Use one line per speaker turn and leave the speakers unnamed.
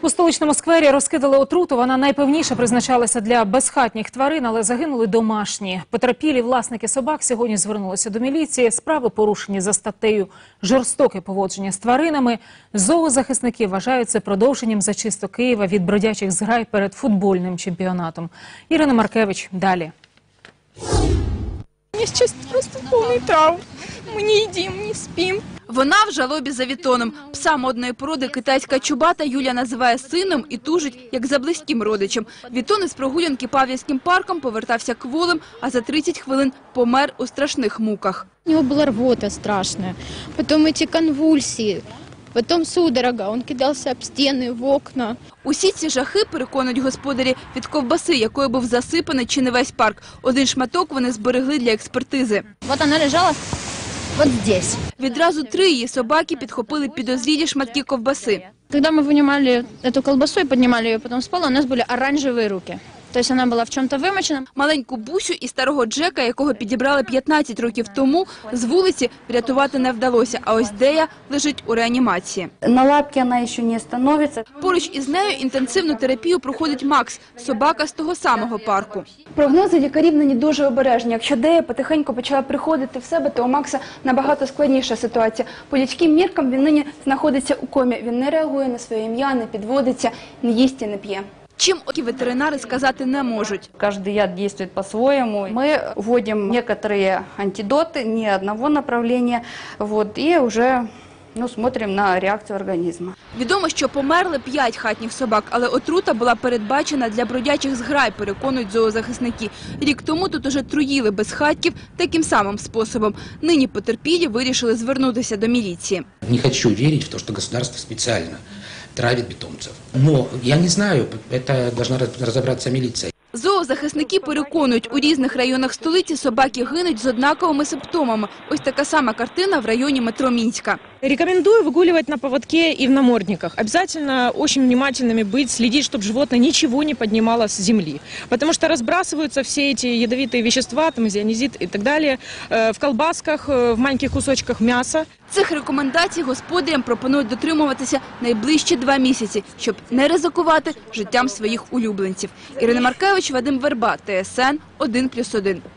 У столичному сквері розкидали отруту. Вона найпевніше призначалася для безхатніх тварин, але загинули домашні. Потерпілі власники собак сьогодні звернулися до міліції. Справи порушені за статтею «Жорстоке поводження з тваринами». Зоозахисники вважають це продовженням зачисток Києва від бродячих зграй перед футбольним чемпіонатом. Ірина Маркевич далі.
У меня сейчас просто полный травм. Мы не едим, не спим.
Вона в жалобі за Вітоном. Пса модної породи китайська чубата Юля називає сином і тужить, як за близьким родичем. Вітон із прогулянки Павлівським парком повертався кволим, а за 30 хвилин помер у страшних муках.
У него была рвота страшная, потом эти конвульсии, потом судорога, он кидался об стены, в окна.
Усі ці жахи, переконують господарі, від ковбаси, якою був засипаний чи не весь парк. Один шматок вони зберегли для експертизи.
Вот она лежала вот здесь.
Відразу 3 її собаки підхопили підозрілі шматки ковбаси.
Когда мы вынимали эту колбасу и поднимали ее потом с пола, у нас были оранжевые руки. То есть она была в чем-то вымочена.
Маленьку Бусю і старого Джека, якого підібрали 15 років тому, з вулиці врятувати не вдалося. А ось Дея лежить у реанімації.
На лапки она еще не становится.
Поруч із нею інтенсивну терапію проходить Макс, собака з того самого парку.
Прогнози лікарів нині дуже обережні. Якщо Дея потихеньку почала приходити в себе, то у Макса набагато складніша ситуація. По людським міркам він нині знаходиться у комі. Він не реагує на своє ім'я, не підводиться, не їсть і не п'є.
Чим ветеринари сказати не можуть.
Каждый яд действует по-своему. Мы вводим некоторые антидоты, не одного направления, и уже смотрим на реакцию организма.
Відомо, що померли 5 хатніх собак, але отрута була передбачена для бродячих зграй, переконують зоозахисники. Рік тому тут уже труїли безхатьків таким самим способом. Нині потерпілі вирішили звернутися до міліції.
Не хочу верить в то, что государство специально травит питомцев. Но я не знаю, это должна разобраться милиция.
Зоозахисники переконують, у різних районах столиці собаки гинуть з однаковими симптомами. Ось така сама картина в районі метро Минска.
Рекомендую выгуливать на поводке и в намордниках. Обязательно очень внимательными быть, следить, чтобы животное ничего не поднимало с земли. Потому что разбрасываются все эти ядовитые вещества, там изонизит и так далее, в колбасках, в маленьких кусочках мяса.
Цих рекомендацій господарям пропонують дотримуватися найближчі 2 місяці, щоб не ризикувати життям своїх улюбленців. Ірина Маркевич, Вадим Верба, ТСН 1+1.